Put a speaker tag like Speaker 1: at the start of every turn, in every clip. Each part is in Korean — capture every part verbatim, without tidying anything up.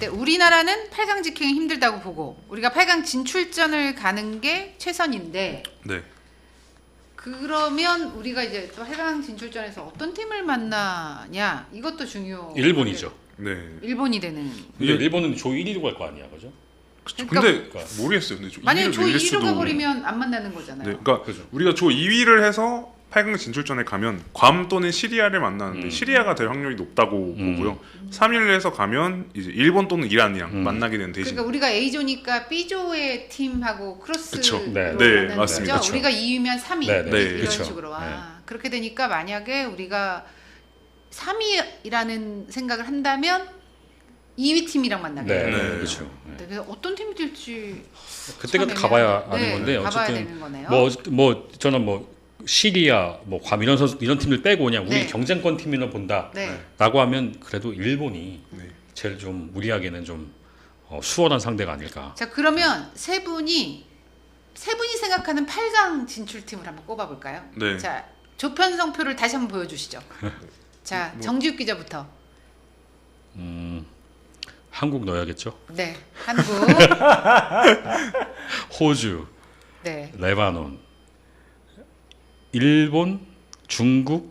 Speaker 1: 때 우리나라는 팔 강 직행이 힘들다고 보고 우리가 팔 강 진출전을 가는 게 최선인데
Speaker 2: 네.
Speaker 1: 그러면 우리가 이제 또 팔 강 진출전에서 어떤 팀을 만나냐 이것도 중요.
Speaker 3: 일본이죠.
Speaker 2: 네.
Speaker 1: 일본이 되는.
Speaker 3: 근데 일본은 조 일 위로 갈 거 아니야, 그죠?
Speaker 1: 그러니까
Speaker 2: 근데 모르겠어요. 근데
Speaker 1: 만약에 조 이 위로
Speaker 2: 수도...
Speaker 1: 가버리면 안 만나는 거잖아요.
Speaker 2: 네, 그러니까
Speaker 3: 그죠.
Speaker 2: 우리가 조 이 위를 해서 팔 강 진출전에 가면 괌 또는 시리아를 만나는데
Speaker 3: 음.
Speaker 2: 시리아가 될 확률이 높다고
Speaker 3: 음.
Speaker 2: 보고요. 삼 위를 해서 가면 이제 일본 또는 이란이랑
Speaker 3: 음.
Speaker 2: 만나게 되는 대신.
Speaker 1: 그러니까 우리가 A조니까 B조의 팀하고 크로스로
Speaker 2: 그쵸.
Speaker 3: 네.
Speaker 2: 네, 맞습니다.
Speaker 1: 거죠?
Speaker 2: 그쵸.
Speaker 1: 우리가 이 위면 삼 위
Speaker 3: 네, 네.
Speaker 2: 네.
Speaker 1: 이런
Speaker 3: 그쵸.
Speaker 1: 식으로. 아,
Speaker 3: 네.
Speaker 1: 그렇게 되니까 만약에 우리가 삼 위라는 생각을 한다면 이 위 팀이랑 만나게
Speaker 3: 네,
Speaker 1: 돼요.
Speaker 2: 네.
Speaker 3: 그렇죠. 네.
Speaker 1: 네, 그래서 어떤 팀이 될지
Speaker 3: 그때 그때
Speaker 1: 참
Speaker 3: 가봐야
Speaker 1: 애매하네요.
Speaker 3: 아는
Speaker 1: 네,
Speaker 3: 건데
Speaker 1: 가봐야
Speaker 3: 어쨌든
Speaker 1: 되는 거네요.
Speaker 3: 뭐 뭐 저는 뭐 시리아, 뭐 괌 이런 선수 이런 팀들 빼고 그냥 우리
Speaker 1: 네.
Speaker 3: 경쟁권 팀이나 본다라고
Speaker 1: 네.
Speaker 3: 하면 그래도 일본이
Speaker 2: 네.
Speaker 3: 제일 좀 우리에게는 좀 어, 수월한 상대가 아닐까.
Speaker 1: 자 그러면 세 분이 세 분이 생각하는 팔 강 진출팀을 한번 꼽아볼까요?
Speaker 2: 네.
Speaker 1: 자 조편성표를 다시 한번 보여주시죠. 자
Speaker 2: 뭐.
Speaker 1: 정지욱 기자부터.
Speaker 3: 음, 한국 넣어야겠죠.
Speaker 1: 네, 한국.
Speaker 3: 호주,
Speaker 1: 네,
Speaker 3: 레바논, 일본, 중국,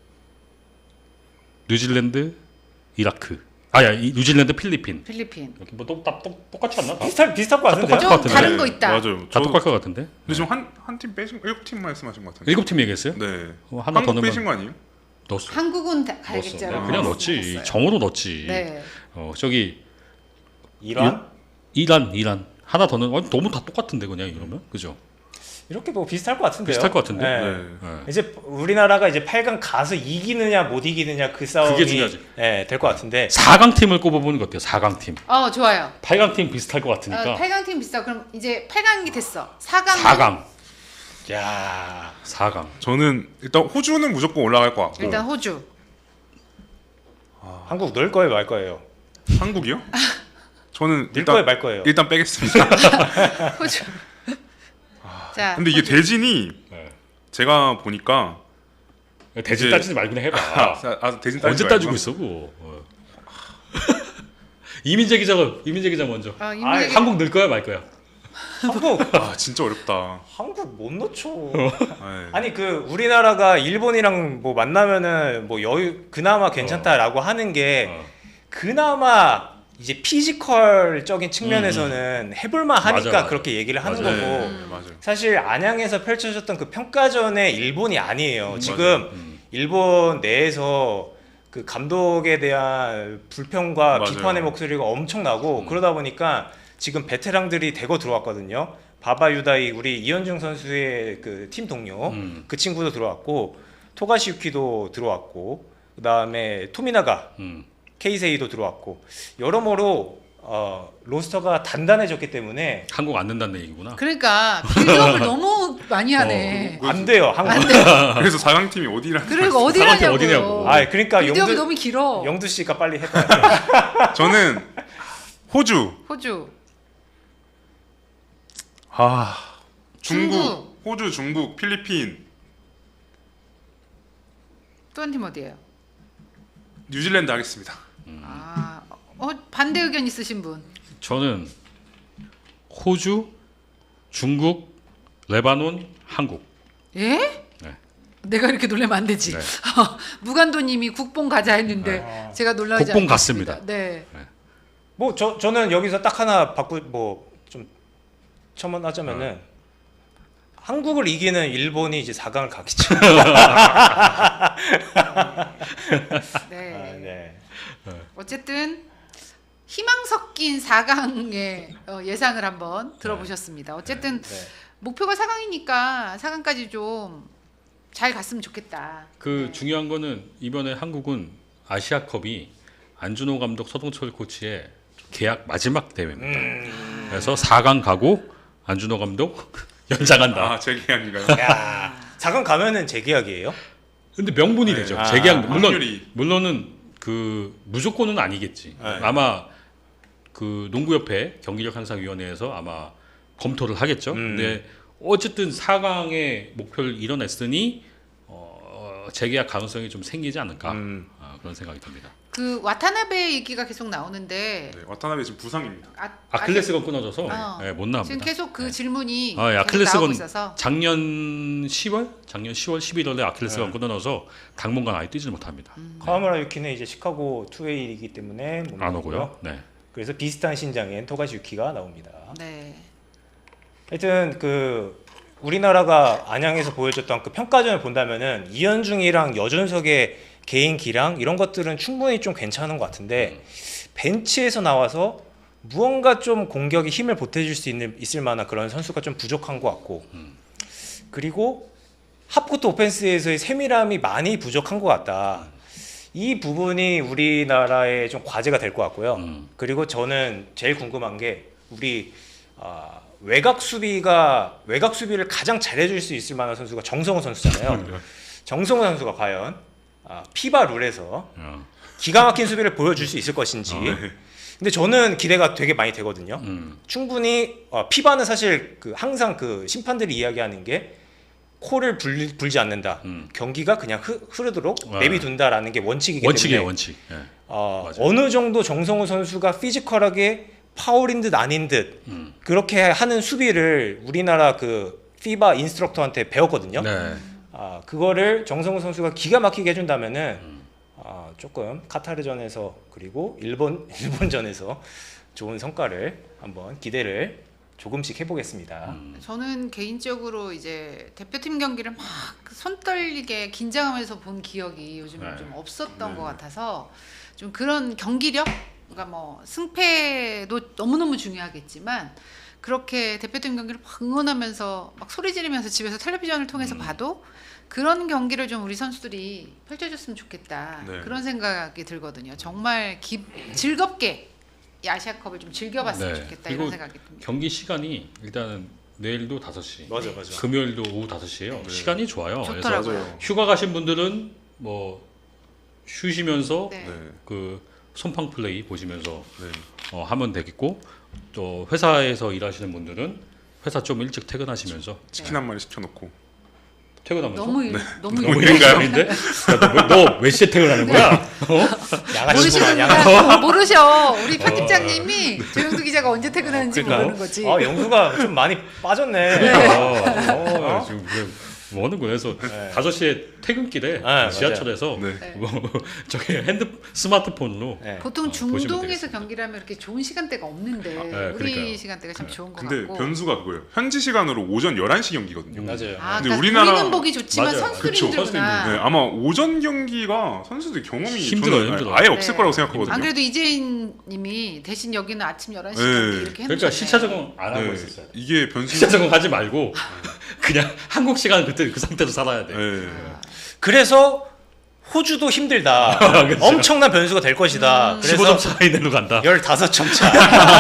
Speaker 3: 뉴질랜드, 이라크. 아야, 이 뉴질랜드, 필리핀.
Speaker 1: 필리핀.
Speaker 3: 이렇게 뭐 똑, 똑, 똑, 똑같이 안 나? 다,
Speaker 4: 비슷할 비슷할 것 같은데.
Speaker 3: 똑같을
Speaker 1: 좀
Speaker 3: 것 같은데.
Speaker 1: 다른 거 있다.
Speaker 2: 맞아요.
Speaker 3: 다
Speaker 2: 저-
Speaker 3: 똑같을 것 같은데.
Speaker 2: 근데 지금 한 한 팀 빼신 일곱 팀 말씀하신 것 같은데.
Speaker 3: 일곱 팀 얘기했어요?
Speaker 2: 네.
Speaker 3: 어, 하나 더
Speaker 2: 한국
Speaker 3: 넣으면
Speaker 2: 빼신 거 아니에요?
Speaker 3: 넣었어.
Speaker 1: 한국은 다
Speaker 3: 넣었어.
Speaker 1: 가야겠죠.
Speaker 3: 내가 그냥 넣었지. 정으로 넣었지.
Speaker 1: 네.
Speaker 3: 어, 저기
Speaker 4: 이란
Speaker 3: 이란, 이란 하나 더 넣은. 아니, 너무 다 똑같은데 그냥 이러면, 그죠?
Speaker 4: 이렇게 뭐 비슷할 것 같은데요.
Speaker 3: 비슷할 것 같은데.
Speaker 4: 네.
Speaker 2: 네.
Speaker 3: 네.
Speaker 4: 이제 우리나라가 이제 팔 강 가서 이기느냐 못 이기느냐 그 싸움이
Speaker 3: 그게 중요하지.
Speaker 4: 네, 될 것 같은데.
Speaker 3: 사 강 팀을 꼽아보는 거 어때요? 사 강 팀.
Speaker 1: 어 좋아요.
Speaker 3: 팔 강 팀 비슷할 것 같으니까.
Speaker 1: 어, 팔 강 팀 비싸. 그럼 이제 팔 강이 됐어. 사 강.
Speaker 3: 사 강.
Speaker 4: 야,
Speaker 3: 사 강.
Speaker 2: 저는 일단 호주는 무조건 올라갈 것 같고.
Speaker 1: 일단 호주.
Speaker 4: 한국 넣을 거예요, 말 거예요?
Speaker 2: 한국이요? 저는
Speaker 4: 넣을 거예요,
Speaker 2: 일단
Speaker 4: 말 거예요?
Speaker 2: 일단 빼겠습니다.
Speaker 1: 호주. 자.
Speaker 2: 근데 이게 대진이
Speaker 3: 네.
Speaker 2: 제가 보니까
Speaker 3: 대진
Speaker 2: 이제-
Speaker 3: 따지지 말고 그냥 해봐.
Speaker 2: 아, 아, 대진 따지지
Speaker 3: 언제 따지고
Speaker 2: 말고요.
Speaker 3: 있어 그거. 어. 이민재 기자가 이민재 기자 먼저.
Speaker 1: 어, 이민재
Speaker 4: 아이,
Speaker 1: 기자.
Speaker 3: 한국 넣을 거야 말 거야?
Speaker 4: 한국
Speaker 2: 아 진짜 어렵다.
Speaker 4: 한국 못 넣죠.
Speaker 2: 네.
Speaker 4: 아니 그 우리나라가 일본이랑 뭐 만나면은 뭐 여유 그나마 괜찮다라고 하는 게
Speaker 3: 어.
Speaker 4: 그나마 이제 피지컬적인 측면에서는 해볼만 하니까
Speaker 3: 맞아, 맞아.
Speaker 4: 그렇게 얘기를 하는
Speaker 3: 맞아요.
Speaker 4: 거고
Speaker 2: 네, 맞아요.
Speaker 4: 사실 안양에서 펼쳐졌던 그 평가전의 일본이 아니에요. 지금
Speaker 3: 음.
Speaker 4: 일본 내에서 그 감독에 대한 불평과
Speaker 2: 맞아요.
Speaker 4: 비판의 목소리가 엄청나고
Speaker 3: 음.
Speaker 4: 그러다 보니까 지금 베테랑들이 대거 들어왔거든요. 바바 유다이 우리 이현중 선수의 그 팀 동료
Speaker 3: 음.
Speaker 4: 그 친구도 들어왔고 토가시 유키도 들어왔고 그 다음에 토미나가
Speaker 3: 음.
Speaker 4: 케이세이도 들어왔고 여러모로 어, 로스터가 단단해졌기 때문에
Speaker 3: 한국 안 넣는다는 얘기구나.
Speaker 1: 그러니까 빌드업을 너무 많이 하네.
Speaker 2: 어,
Speaker 4: 안 돼요 한국.
Speaker 1: 안 돼.
Speaker 2: 그래서 사 강 팀이 어디라?
Speaker 1: 그리고
Speaker 3: 사강팀
Speaker 1: 어디라냐고.
Speaker 3: 어디냐고.
Speaker 4: 아 그러니까
Speaker 1: 빌드업이
Speaker 4: 영두
Speaker 1: 너무 길어.
Speaker 4: 영두 씨가 빨리 해봐.
Speaker 2: 저는 호주,
Speaker 1: 호주.
Speaker 2: 아 중국,
Speaker 1: 중국.
Speaker 2: 호주, 중국, 필리핀,
Speaker 1: 또 한 팀 어디예요?
Speaker 2: 뉴질랜드 하겠습니다.
Speaker 1: 아, 어, 반대 의견 있으신 분.
Speaker 3: 저는 호주, 중국, 레바논, 한국.
Speaker 1: 예?
Speaker 3: 네.
Speaker 1: 내가 이렇게 놀라면 안 되지.
Speaker 3: 네.
Speaker 1: 무간도님이 국뽕 가자 했는데
Speaker 4: 네.
Speaker 1: 제가 놀라지
Speaker 3: 국뽕
Speaker 1: 않겠습니다.
Speaker 3: 갔습니다.
Speaker 1: 네.
Speaker 4: 뭐 저 저는 여기서 딱 하나 바꾸 뭐 좀 첨언하자면은 한국을 이기는 일본이 이제 사 강을 가겠죠.
Speaker 1: 네.
Speaker 4: 아, 네.
Speaker 1: 어쨌든 희망 섞인 사 강의 어, 예상을 한번 들어보셨습니다. 어쨌든
Speaker 4: 네.
Speaker 1: 목표가 사 강이니까 사 강까지 좀 잘 갔으면 좋겠다.
Speaker 3: 그
Speaker 1: 네.
Speaker 3: 중요한 거는 이번에 한국은 아시아컵이 안준호 감독, 서동철 코치의 계약 마지막 대회입니다.
Speaker 4: 음.
Speaker 3: 그래서 사 강 가고 안준호 감독 연장한다.
Speaker 2: 아, 제 계약인가요?
Speaker 4: 야, 사 강 가면은 재계약이에요?
Speaker 3: 근데 명분이
Speaker 2: 네.
Speaker 3: 되죠.
Speaker 4: 아,
Speaker 3: 재계약 물론
Speaker 2: 확률이.
Speaker 3: 물론은 그 무조건은 아니겠지.
Speaker 4: 네.
Speaker 3: 아마 그 농구협회 경기력 향상위원회에서 아마 검토를 하겠죠.
Speaker 4: 음.
Speaker 3: 근데 어쨌든 사 강의 목표를 이뤄냈으니 어, 재계약 가능성이 좀 생기지 않을까
Speaker 4: 음.
Speaker 3: 어, 그런 생각이 듭니다.
Speaker 1: 그 와타나베 얘기가 계속 나오는데
Speaker 2: 네, 와타나베 지금 부상입니다.
Speaker 1: 아,
Speaker 3: 아킬레스건 끊어져서
Speaker 1: 어.
Speaker 3: 네, 못 나옵니다.
Speaker 1: 지금 계속 그 질문이
Speaker 3: 아, 예,
Speaker 1: 계속
Speaker 3: 아킬레스건
Speaker 1: 나오고 있어서
Speaker 3: 작년 시월, 작년 시월 십일월에 아킬레스건
Speaker 4: 네.
Speaker 3: 끊어져서 당분간 아예 뛰지 못합니다.
Speaker 4: 카와무라 유키는 이제 시카고 투웨이이기 때문에 못
Speaker 3: 안
Speaker 4: 나오고요.
Speaker 3: 오고요. 네.
Speaker 4: 그래서 비슷한 신장인 토가시 유키가 나옵니다.
Speaker 1: 네.
Speaker 4: 하여튼 그 우리나라가 안양에서 보여줬던 그 평가전을 본다면은 이현중이랑 여준석의 개인기량 이런 것들은 충분히 좀 괜찮은 것 같은데 벤치에서 나와서 무언가 좀 공격에 힘을 보태줄 수 있는 있을 만한 그런 선수가 좀 부족한 것 같고 그리고 합코트 오펜스에서의 세밀함이 많이 부족한 것 같다. 이 부분이 우리나라의 좀 과제가 될 것 같고요.
Speaker 3: 음.
Speaker 4: 그리고 저는 제일 궁금한 게 우리 아, 외곽 수비가 외곽 수비를 가장 잘해줄 수 있을 만한 선수가 정성호 선수잖아요. 정성호 선수가 과연 아, 피바 룰에서
Speaker 3: 어.
Speaker 4: 기가 막힌 수비를 보여줄 수 있을 것인지.
Speaker 2: 아, 네.
Speaker 4: 근데 저는 기대가 되게 많이 되거든요.
Speaker 3: 음.
Speaker 4: 충분히 어, 피바는 사실 그 항상 그 심판들이 이야기하는 게 코를 불, 불지 않는다.
Speaker 3: 음.
Speaker 4: 경기가 그냥 흐, 흐르도록
Speaker 3: 아.
Speaker 4: 내비둔다라는 게 원칙이기
Speaker 3: 원칙이에요,
Speaker 4: 때문에
Speaker 3: 원칙. 예.
Speaker 4: 어,
Speaker 3: 맞아요.
Speaker 4: 어느 정도 정성우 선수가 피지컬하게 파울인 듯 아닌 듯
Speaker 3: 음.
Speaker 4: 그렇게 하는 수비를 우리나라 그 피바 인스트럭터한테 배웠거든요.
Speaker 3: 네.
Speaker 4: 아, 그거를 정성우 선수가 기가 막히게 해준다면은 아, 조금 카타르전에서 그리고 일본 일본전에서 좋은 성과를 한번 기대를 조금씩 해보겠습니다.
Speaker 3: 음.
Speaker 1: 저는 개인적으로 이제 대표팀 경기를 막 손 떨리게 긴장하면서 본 기억이 요즘
Speaker 3: 네.
Speaker 1: 좀 없었던
Speaker 2: 네.
Speaker 1: 것 같아서 좀 그런 경기력, 그러니까 뭐 승패도 너무너무 중요하겠지만 그렇게 대표팀 경기를 막 응원하면서 막 소리 지르면서 집에서 텔레비전을 통해서
Speaker 3: 음.
Speaker 1: 봐도 그런 경기를 좀 우리 선수들이 펼쳐줬으면 좋겠다.
Speaker 2: 네.
Speaker 1: 그런 생각이 들거든요. 정말 기, 즐겁게 이 아시아컵을 좀 즐겨봤으면
Speaker 3: 네.
Speaker 1: 좋겠다
Speaker 3: 그리고
Speaker 1: 이런 생각이 듭니다.
Speaker 3: 경기 시간이 일단은 내일도 다섯 시,
Speaker 4: 맞아, 맞아.
Speaker 3: 금요일도 오후 다섯 시예요.
Speaker 2: 네.
Speaker 3: 시간이 좋아요.
Speaker 1: 좋더라고요.
Speaker 3: 그래서
Speaker 2: 맞아요.
Speaker 3: 휴가 가신 분들은 뭐 쉬시면서
Speaker 1: 네.
Speaker 2: 네.
Speaker 3: 그 손팡 플레이 보시면서
Speaker 2: 네.
Speaker 3: 어, 하면 되겠고 또 회사에서 일하시는 분들은 회사 좀 일찍 퇴근하시면서
Speaker 2: 치킨 한 마리 시켜놓고
Speaker 3: 퇴근하면서
Speaker 1: 너무 일, 너무
Speaker 3: 너무
Speaker 1: 일-
Speaker 3: 일인가요?인데 너 몇 시에 퇴근하는 거야? 어?
Speaker 4: 양아치구만 양아치.
Speaker 1: 모르시는구나. 모르셔. 우리 편집장님이 조영두 기자가 언제 퇴근하는지
Speaker 3: 그러니까요.
Speaker 1: 모르는 거지.
Speaker 4: 아 영수가 좀 많이 빠졌네.
Speaker 3: 어, 어, 지금 그래, 뭐 하는 거야? 그래서
Speaker 4: 네.
Speaker 3: 다섯 시에 퇴근길에
Speaker 4: 네,
Speaker 3: 지하철에서
Speaker 2: 네.
Speaker 1: 네.
Speaker 3: 뭐 저기 핸드 스마트폰으로
Speaker 4: 네.
Speaker 1: 보통
Speaker 3: 어, 보시면
Speaker 1: 중동에서
Speaker 3: 되겠습니다.
Speaker 1: 경기를 하면 이렇게 좋은 시간대가 없는데
Speaker 3: 네,
Speaker 1: 우리
Speaker 3: 그러니까요.
Speaker 1: 시간대가 참 좋은 것
Speaker 2: 근데
Speaker 1: 같고.
Speaker 2: 변수가 그거예요. 현지 시간으로 오전 열한 시 경기거든요.
Speaker 4: 맞아요.
Speaker 1: 아,
Speaker 2: 근데
Speaker 1: 그러니까
Speaker 2: 우리나라-
Speaker 1: 우리는 보기 좋지만
Speaker 3: 맞아요.
Speaker 1: 선수들이
Speaker 2: 그쵸,
Speaker 1: 힘들구나.
Speaker 2: 네, 아마 오전 경기가 선수들 경험이
Speaker 3: 힘들어요,
Speaker 2: 저는
Speaker 3: 힘들어요.
Speaker 2: 아예 없을
Speaker 1: 네.
Speaker 2: 거라고 생각하거든요.
Speaker 1: 안 그래도 이재인님이 대신 여기는 아침 열한 시
Speaker 2: 네.
Speaker 1: 경기 이렇게
Speaker 3: 그러니까
Speaker 1: 해놓으셨네.
Speaker 3: 시차 적응 안 하고
Speaker 2: 네,
Speaker 3: 있었어요.
Speaker 2: 이게 변수.
Speaker 3: 시차 적응 하지 말고 그냥 한국 시간 그때 그 상태로 살아야 돼.
Speaker 2: 네.
Speaker 4: 그래서 호주도 힘들다.
Speaker 3: 그렇죠.
Speaker 4: 엄청난 변수가 될 것이다.
Speaker 1: 음.
Speaker 3: 십오
Speaker 4: 그래서
Speaker 3: 점 차이 내로 간다.
Speaker 4: 열다섯 점 차.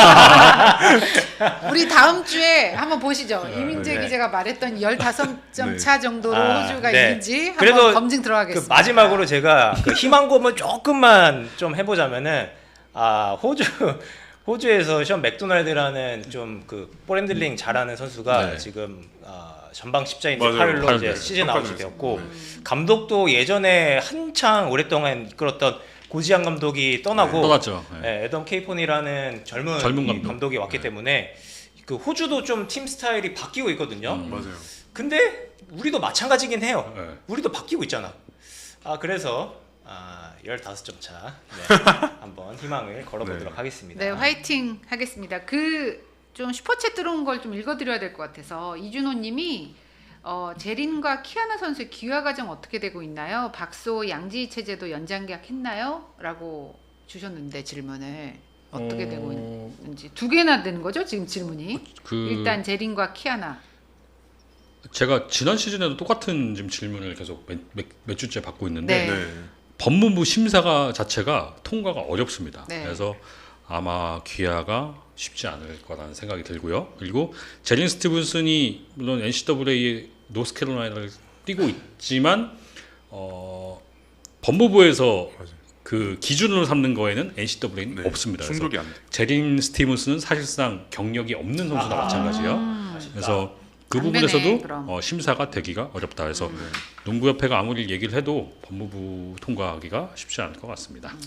Speaker 1: 우리 다음 주에 한번 보시죠.
Speaker 3: 네,
Speaker 1: 이민재
Speaker 4: 네.
Speaker 1: 기자가 말했던 열다섯 점
Speaker 2: 네.
Speaker 1: 차 정도로
Speaker 4: 아,
Speaker 1: 호주가
Speaker 4: 네.
Speaker 1: 이긴지 한번
Speaker 4: 그래도
Speaker 1: 검증
Speaker 4: 그
Speaker 1: 들어가겠습니다.
Speaker 4: 마지막으로 제가 그 희망고문 조금만 좀 해보자면은 아 호주 호주에서 션 맥도날드라는 좀 그 볼핸들링 잘하는 선수가
Speaker 3: 네.
Speaker 4: 지금 아, 전방 십자인
Speaker 2: 맞아요.
Speaker 4: 팔로
Speaker 3: 팔,
Speaker 4: 이제
Speaker 3: 네.
Speaker 4: 시즌
Speaker 2: 평가전에서.
Speaker 4: 아웃이 되었고
Speaker 2: 네.
Speaker 4: 감독도 예전에 한창 오랫동안 이끌었던 고지한 감독이 떠나고
Speaker 3: 떠났죠. 네.
Speaker 4: 네, 애덤 케이폰이라는 젊은,
Speaker 3: 젊은
Speaker 4: 이
Speaker 3: 감독.
Speaker 4: 감독이 왔기
Speaker 3: 네.
Speaker 4: 때문에 그 호주도 좀 팀 스타일이 바뀌고 있거든요.
Speaker 3: 음.
Speaker 2: 맞아요.
Speaker 4: 근데 우리도 마찬가지긴 해요.
Speaker 3: 네.
Speaker 4: 우리도 바뀌고 있잖아. 아 그래서 아, 열다섯 점 차 네, 한번 희망을 걸어보도록
Speaker 2: 네.
Speaker 4: 하겠습니다.
Speaker 1: 네, 화이팅 하겠습니다. 그 좀 슈퍼챗 들어온 걸 좀 읽어드려야 될 것 같아서 이준호님이 어, 제린과 키아나 선수의 기화 과정 어떻게 되고 있나요? 박소 양지희 체제도 연장 계약했나요? 라고 주셨는데 질문을 어떻게
Speaker 3: 어,
Speaker 1: 되고 있는지 두 개나 되는 거죠 지금 질문이.
Speaker 3: 그
Speaker 1: 일단 제린과 키아나.
Speaker 3: 제가 지난 시즌에도 똑같은 지금 질문을 계속 몇, 몇, 몇 주째 받고 있는데
Speaker 1: 네.
Speaker 2: 네.
Speaker 3: 법무부 심사가 자체가 통과가 어렵습니다.
Speaker 1: 네.
Speaker 3: 그래서 아마 귀하가 쉽지 않을 거라는 생각이 들고요. 그리고 제린 스티븐슨이 물론 엔씨에이의 노스캐롤라이나를 뛰고 있지만 어, 법무부에서
Speaker 2: 맞아요.
Speaker 3: 그 기준으로 삼는 거에는 엔씨에이는
Speaker 2: 네.
Speaker 3: 없습니다. 그래서
Speaker 2: 충족이 안 돼.
Speaker 3: 제린 스티븐슨은 사실상 경력이 없는 선수나
Speaker 4: 아.
Speaker 3: 마찬가지예요.
Speaker 1: 음.
Speaker 3: 그래서 그
Speaker 1: 안 되네,
Speaker 3: 부분에서도
Speaker 1: 그럼.
Speaker 3: 어, 심사가 되기가 어렵다. 그래서
Speaker 1: 음.
Speaker 3: 농구협회가 아무리 얘기를 해도 법무부 통과하기가 쉽지 않을 것 같습니다.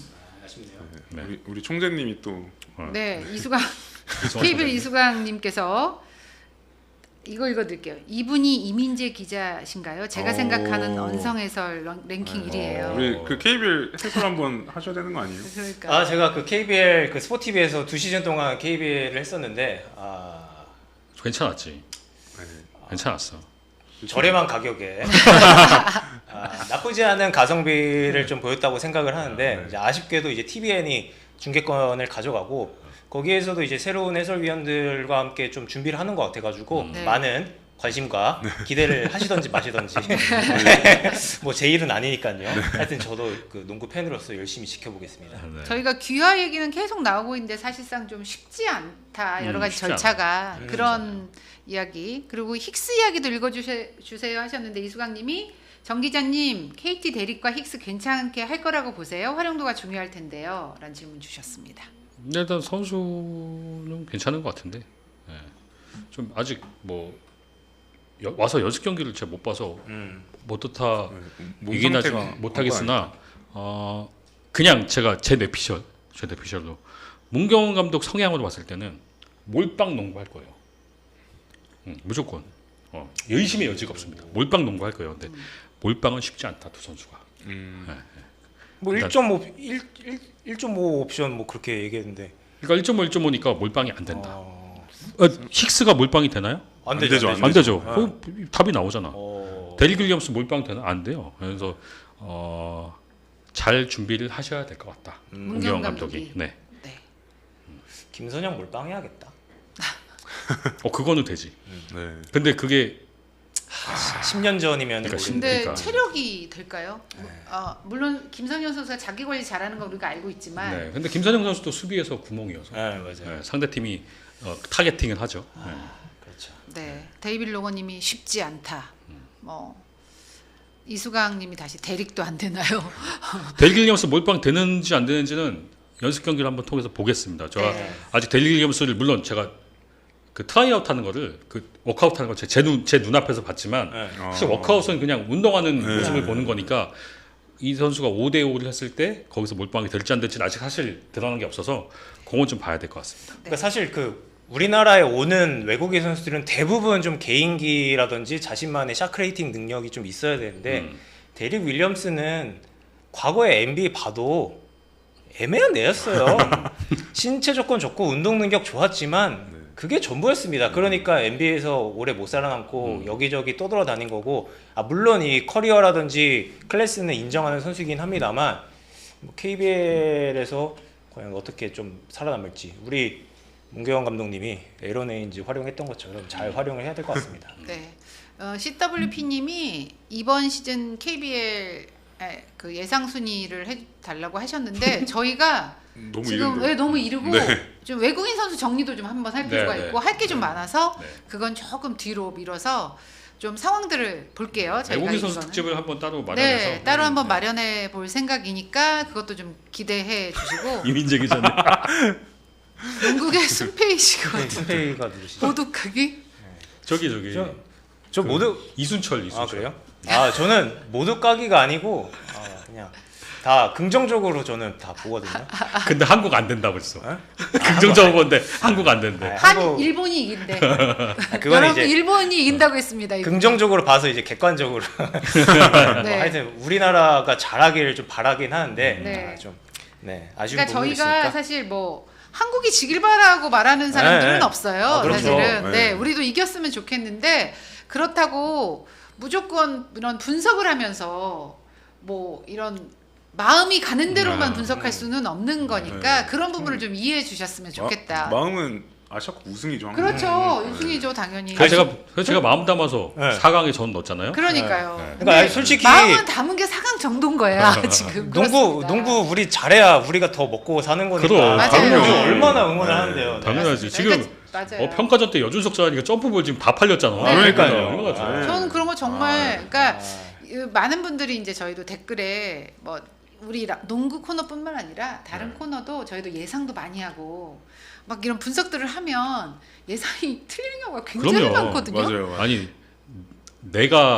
Speaker 4: 아쉽네요.
Speaker 3: 네.
Speaker 2: 우리, 우리 총재님이 또
Speaker 1: 네, 이수강
Speaker 3: 이수강
Speaker 1: 케이비엘
Speaker 3: 소장님.
Speaker 1: 이수강님께서 이거 읽어드릴게요. 이분이 이민재 기자신가요? 제가
Speaker 2: 어.
Speaker 1: 생각하는 언성 해설 런- 랭킹
Speaker 2: 네.
Speaker 1: 일 위예요.
Speaker 2: 우리 그 케이비엘 해설 한번 하셔야 되는 거 아니에요?
Speaker 1: 그러니까
Speaker 4: 아 제가 그 케이비엘 그 스포티비에서 두 시즌 동안 케이비엘을 했었는데 아
Speaker 3: 괜찮았지.
Speaker 2: 네.
Speaker 3: 괜찮았어.
Speaker 4: 저렴한 가격에 아, 나쁘지 않은 가성비를 좀 보였다고 생각을 하는데
Speaker 2: 네.
Speaker 4: 이제 아쉽게도 이제 티비엔이 중계권을 가져가고 거기에서도 이제 새로운 해설위원들과 함께 좀 준비를 하는 것 같아가지고
Speaker 3: 음.
Speaker 1: 네.
Speaker 4: 많은 관심과 기대를 하시던지 마시던지 뭐 제 일은 아니니까요. 하여튼 저도 그 농구 팬으로서 열심히 지켜보겠습니다.
Speaker 3: 네.
Speaker 1: 저희가 귀화 얘기는 계속 나오고 있는데 사실상 좀 쉽지 않다. 여러
Speaker 3: 음,
Speaker 1: 가지
Speaker 3: 쉽지
Speaker 1: 절차가
Speaker 4: 음,
Speaker 1: 그런 이야기. 그리고 힉스 이야기도 읽어주세요 하셨는데 이수강님이 정 기자님 케이티 대립과 힉스 괜찮게 할 거라고 보세요. 활용도가 중요할 텐데요. 라는 질문 주셨습니다.
Speaker 3: 근데 일단 선수는 괜찮은 것 같은데 예. 좀 아직 뭐 여, 와서 연습 경기를 제가 못 봐서
Speaker 4: 음.
Speaker 3: 못하다
Speaker 2: 몸
Speaker 3: 이긴 하지
Speaker 2: 상태가
Speaker 3: 못하겠으나 어, 그냥 제가 제 뇌피셜 제 뇌피셜로 문경원 감독 성향으로 봤을 때는 몰빵 농구할 거예요. 음, 무조건 어, 의심의 여지가 없습니다. 몰빵 농구할 거예요. 근데 몰빵은 쉽지 않다 두 선수가.
Speaker 2: 음.
Speaker 4: 뭐
Speaker 3: 일단-
Speaker 4: 일 점 오 일, 일, 일 점 오 옵션 뭐 그렇게 얘기했는데
Speaker 3: 그러니까 일 점 오, 일 점 오니까 몰빵이 안 된다.
Speaker 4: 어,
Speaker 3: 어, 힉스가 몰빵이 되나요?
Speaker 4: 안
Speaker 2: 안
Speaker 4: 되죠.
Speaker 2: 되죠,
Speaker 4: 안
Speaker 3: 안 되죠.
Speaker 4: 아.
Speaker 3: 그 답이 나오잖아.
Speaker 4: 어,
Speaker 3: 데릭 윌리엄스 몰빵 되나? 안 돼요. 그래서 어, 잘 준비를 하셔야 될 것 같다.
Speaker 4: 음,
Speaker 3: 문경원
Speaker 1: 감독이.
Speaker 3: 감독이. 네.
Speaker 1: 네.
Speaker 4: 김선영 몰빵해야겠다.
Speaker 3: 어 그거는 되지.
Speaker 2: 네.
Speaker 3: 근데 그게
Speaker 4: 십 년 전이면
Speaker 3: 그러니까 신-
Speaker 1: 근데
Speaker 3: 그러니까.
Speaker 1: 체력이 될까요? 아, 물론 김성현 선수가 자기 관리 잘하는 거 우리가 알고 있지만
Speaker 3: 네. 근데 김선영 선수도 수비에서 구멍이어서
Speaker 4: 네 맞아요.
Speaker 3: 네, 상대 팀이 어, 타겟팅을 하죠. 네.
Speaker 4: 그렇죠.
Speaker 1: 네, 데이빌 로거님이 쉽지 않다. 뭐 이수강님이 다시 대릭도 안 되나요?
Speaker 3: 데릭 윌리엄스 몰빵 되는지 안 되는지는 연습 경기를 한번 통해서 보겠습니다. 제가
Speaker 1: 네.
Speaker 3: 아직 데릭 윌리엄스를 물론 제가 그 트라이아웃 하는 거를 그 워크아웃 하는 걸제눈제 눈앞에서 봤지만
Speaker 4: 네.
Speaker 3: 사실
Speaker 2: 어.
Speaker 3: 워크아웃은 그냥 운동하는
Speaker 2: 네.
Speaker 3: 모습을 보는 거니까 이 선수가 오 대 오를 했을 때 거기서 몰빵이 될지 안 될지는 아직 사실 드러난 게 없어서 그건 좀 봐야 될 것 같습니다.
Speaker 4: 그러니까 사실 그 우리나라에 오는 외국인 선수들은 대부분 좀 개인기라든지 자신만의 샤크레이팅 능력이 좀 있어야 되는데
Speaker 3: 음.
Speaker 4: 데릭 윌리엄스는 과거에 엔비에이 봐도 애매한 애였어요. 신체 조건 좋고 운동 능력 좋았지만
Speaker 2: 네.
Speaker 4: 그게 전부였습니다. 그러니까 엔비에이에서 오래 못 살아남고
Speaker 3: 음.
Speaker 4: 여기저기 떠돌아다닌 거고 아 물론 이 커리어라든지 클래스는 인정하는 선수이긴 합니다만 뭐 케이비엘에서 과연 어떻게 좀 살아남을지 우리 문경원 감독님이 에런 에인지 활용했던 것처럼 잘 활용을 해야 될 것 같습니다.
Speaker 1: 네, 어, 씨더블유피님이 이번 시즌 케이비엘 그 예상 순위를 해달라고 하셨는데 저희가
Speaker 2: 너무
Speaker 1: 지금
Speaker 2: 이른데.
Speaker 1: 왜 너무 이르고
Speaker 2: 네.
Speaker 1: 좀 외국인 선수 정리도 좀 한번 할 필요가
Speaker 3: 네, 네.
Speaker 1: 있고 할 게 좀 많아서
Speaker 3: 네.
Speaker 1: 그건 조금 뒤로 밀어서 좀 상황들을 볼게요. 저희가
Speaker 3: 외국인 선수
Speaker 1: 이거는.
Speaker 3: 특집을 한번 따로 마련해서
Speaker 1: 네, 따로 한번
Speaker 3: 네.
Speaker 1: 마련해 볼 생각이니까 그것도 좀 기대해 주시고
Speaker 3: 이민재 기자님
Speaker 1: 영국의 순페이시가 같은
Speaker 4: 스페이가 누구시죠?
Speaker 1: 보독하기
Speaker 3: 저기 저기
Speaker 4: 저, 저
Speaker 3: 그
Speaker 4: 모두
Speaker 3: 이순철 이순철
Speaker 4: 아 그래요? 아 저는 모두 까기가 아니고 아, 그냥 다 긍정적으로 저는 다 보거든요.
Speaker 3: 근데 한국 안 된다 벌써.
Speaker 4: 어?
Speaker 3: 긍정적으로 보는데 한국 안 된대.
Speaker 4: 아,
Speaker 1: 한
Speaker 4: 한국-
Speaker 1: 일본이 이긴대.
Speaker 4: 아, 그건
Speaker 1: 여러분
Speaker 4: 이제
Speaker 1: 일본이 이긴다고 했습니다. 이거.
Speaker 4: 긍정적으로 봐서 이제 객관적으로 뭐
Speaker 1: 네.
Speaker 4: 하여튼 우리나라가 잘하기를 좀 바라긴 하는데
Speaker 1: 네.
Speaker 4: 아, 좀 네, 아쉬운
Speaker 1: 그러니까
Speaker 4: 부분이
Speaker 1: 저희가
Speaker 4: 있으니까
Speaker 1: 사실 뭐 한국이 지길 바라고 말하는 사람들은
Speaker 4: 네, 네.
Speaker 1: 없어요.
Speaker 4: 아, 그렇죠.
Speaker 1: 사실은
Speaker 2: 네.
Speaker 1: 네, 우리도 이겼으면 좋겠는데 그렇다고 무조건 이런 분석을 하면서 뭐 이런 마음이 가는 대로만
Speaker 2: 네.
Speaker 1: 분석할 수는 없는 거니까
Speaker 2: 네.
Speaker 1: 그런 부분을 좀 이해해 주셨으면 좋겠다.
Speaker 2: 마, 마음은 아시아컵 우승이죠. 항상.
Speaker 1: 그렇죠.
Speaker 2: 음,
Speaker 1: 우승이죠, 당연히.
Speaker 3: 그래서 제가 그래서 제가 마음 담아서
Speaker 4: 네.
Speaker 3: 사 강에 전 넣었잖아요.
Speaker 1: 그러니까요.
Speaker 3: 네.
Speaker 1: 근데
Speaker 4: 그러니까 아니, 솔직히
Speaker 1: 마음은 담은 게 사 강 정도인 거야 지금.
Speaker 4: 농구
Speaker 1: 그렇습니다.
Speaker 4: 농구 우리 잘해야 우리가 더 먹고 사는 거니까
Speaker 3: 그럼,
Speaker 1: 맞아요.
Speaker 4: 당연히
Speaker 1: 그럼요.
Speaker 4: 얼마나 응원을
Speaker 2: 네.
Speaker 4: 하는데요. 네.
Speaker 3: 당연하지. 지금
Speaker 1: 그러니까 맞아요.
Speaker 3: 어, 평가전 때 여준석 자니까 점프볼 지금 다 팔렸잖아.
Speaker 1: 네.
Speaker 4: 그러니까요.
Speaker 3: 얼마나 좋아요.
Speaker 2: 네.
Speaker 1: 저는 그런 거 정말
Speaker 2: 아,
Speaker 1: 그러니까
Speaker 4: 아,
Speaker 1: 이 많은 분들이 이제 저희도 댓글에 뭐 우리 라- 농구 코너뿐만 아니라 다른
Speaker 3: 네.
Speaker 1: 코너도 저희도 예상도 많이 하고 막 이런 분석들을 하면 예상이 틀리는 경우가 굉장히
Speaker 3: 그럼요.
Speaker 1: 많거든요.
Speaker 2: 맞아요. 맞아요.
Speaker 3: 아니 내가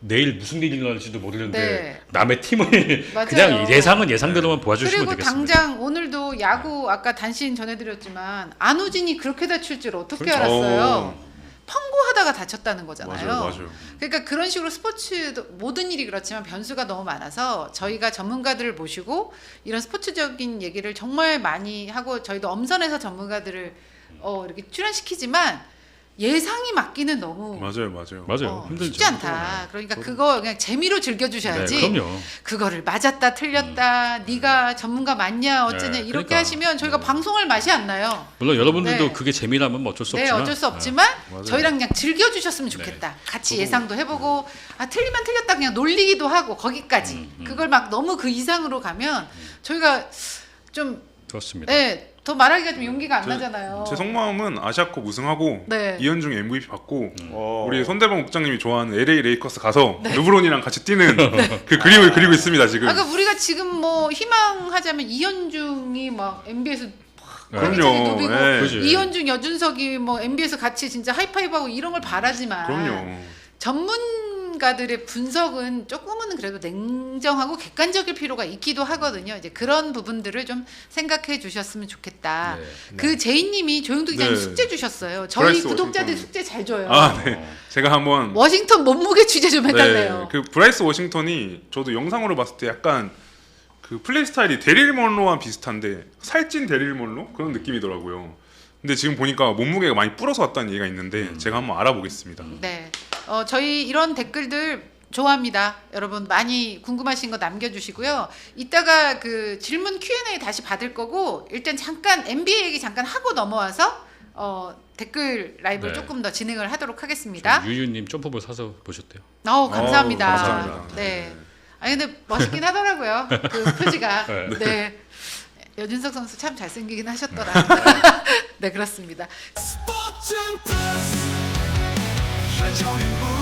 Speaker 3: 내일 무슨 일이 일어날지도 모르는데
Speaker 1: 네.
Speaker 3: 남의 팀을
Speaker 1: 맞아요.
Speaker 3: 그냥 예상은 예상대로만 도와주시면
Speaker 1: 그리고
Speaker 3: 되겠습니다.
Speaker 1: 당장 오늘도 야구 아까 단신 전해드렸지만 안우진이 그렇게 다칠 줄 어떻게
Speaker 2: 그렇죠.
Speaker 1: 알았어요?
Speaker 2: 어.
Speaker 1: 펑고하다가 다쳤다는 거잖아요.
Speaker 2: 맞아요, 맞아요.
Speaker 1: 그러니까 그런 식으로 스포츠도 모든 일이 그렇지만 변수가 너무 많아서 저희가 전문가들을 모시고 이런 스포츠적인 얘기를 정말 많이 하고 저희도 엄선해서 전문가들을 어, 이렇게 출연시키지만 예상이 맞기는 너무
Speaker 2: 맞아요, 맞아요.
Speaker 3: 맞아요.
Speaker 1: 어,
Speaker 3: 힘들죠.
Speaker 1: 쉽지 않다. 그러니까 그거 그냥 재미로 즐겨주셔야지.
Speaker 3: 네, 그럼요.
Speaker 1: 그거를 맞았다 틀렸다 네가 전문가 맞냐 어쩌냐
Speaker 3: 네,
Speaker 1: 이렇게
Speaker 3: 그러니까.
Speaker 1: 하시면 저희가
Speaker 3: 네.
Speaker 1: 방송할 맛이 안 나요.
Speaker 3: 물론 여러분들도
Speaker 1: 네.
Speaker 3: 그게 재미라면 뭐 어쩔 수
Speaker 1: 네
Speaker 3: 없지만
Speaker 1: 어쩔 수 없지만
Speaker 2: 맞아요.
Speaker 1: 저희랑 그냥 즐겨주셨으면 좋겠다. 같이 예상도 해보고 아 틀리면 틀렸다 그냥 놀리기도 하고 거기까지.
Speaker 3: 음, 음.
Speaker 1: 그걸 막 너무 그 이상으로 가면 저희가 좀
Speaker 3: 좋습니다.
Speaker 1: 네, 더 말하기가 좀 용기가 안
Speaker 2: 제-
Speaker 1: 나잖아요.
Speaker 2: 제 속마음은 아시아컵 우승하고
Speaker 1: 네.
Speaker 2: 이현중 엠브이피 받고
Speaker 4: 어.
Speaker 2: 우리 손대범 국장님이 좋아하는 엘에이 레이커스 가서 르브론이랑 같이 뛰는 그 그림을 그리고 있습니다 지금.
Speaker 1: 아까 우리가 지금 뭐 희망하자면 이현중이 막 엔비에이에서
Speaker 2: 그럼요.
Speaker 1: 누비고
Speaker 2: 예.
Speaker 3: 그지.
Speaker 1: 이현중 여준석이 뭐 엔비에이에서 같이 진짜 하이파이브하고 이런 걸 바라지만
Speaker 2: 그럼요.
Speaker 1: 전문가들의 분석은 조금은 그래도 냉정하고 객관적일 필요가 있기도 하거든요. 이제 그런 부분들을 좀 생각해 주셨으면 좋겠다.
Speaker 3: 네.
Speaker 1: 그 제이님이 조영도 기자님
Speaker 2: 네.
Speaker 1: 숙제 주셨어요. 저희
Speaker 2: 브라이스
Speaker 1: 구독자들
Speaker 2: 워싱턴.
Speaker 1: 숙제 잘 줘요.
Speaker 2: 아, 네.
Speaker 3: 어.
Speaker 2: 제가 한번
Speaker 1: 워싱턴 몸무게 취재 좀 해달래요.
Speaker 2: 네, 그 브라이스 워싱턴이 저도 영상으로 봤을 때 약간 그 플레이 스타일이 데릴 먼로와 비슷한데 살찐 데릴 먼로 그런 느낌이더라고요. 근데 지금 보니까 몸무게가 많이 불어서 왔다는 얘기가 있는데
Speaker 3: 음.
Speaker 2: 제가 한번 알아보겠습니다.
Speaker 1: 네, 어, 저희 이런 댓글들 좋아합니다. 여러분 많이 궁금하신 거 남겨주시고요. 이따가 그 질문 큐앤에이 다시 받을 거고 일단 잠깐 엔비에이 얘기 잠깐 하고 넘어와서 어, 댓글 라이브를
Speaker 3: 네.
Speaker 1: 조금 더 진행을 하도록 하겠습니다.
Speaker 3: 유유님 점프볼 사서 보셨대요.
Speaker 1: 어, 감사합니다.
Speaker 2: 어, 감사합니다.
Speaker 1: 네. 아니 근데 멋있긴 하더라고요. 그 표지가.
Speaker 3: 네.
Speaker 1: 네. 여준석 선수 참 잘생기긴 하셨더라. 네, 그렇습니다.
Speaker 5: 스포츠 플러스 한정의